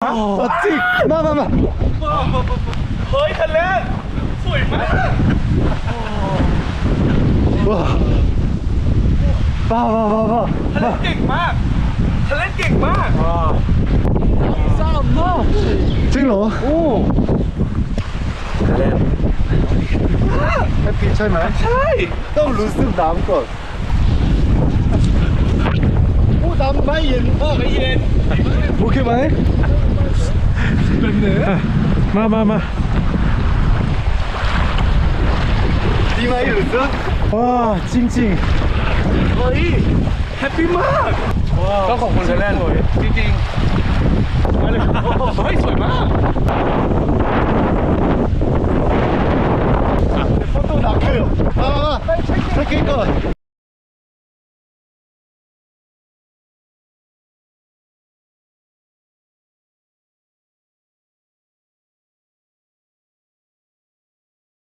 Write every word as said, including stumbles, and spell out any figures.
จริงมามามาเฮ้ยทะเลสวยมากว้าวว้าวว้าวว้าวทะเลเก่งมากทะเลเก่งมากสามมากจริงเหรอโอ้แฮปปี้ใช่ไหมใช่ต้องรู้สึกน้ำก่อนโอ้น้ำไม่เย็นโอ้ไม่เย็นโอเคไหมเป็นเนื้อมามามาดีไหมรู้สึกว้าจริงจริงเฮ้ยแฮปปี้มากก็ขอบคุณทะเลจริงๆมาเลยโอ้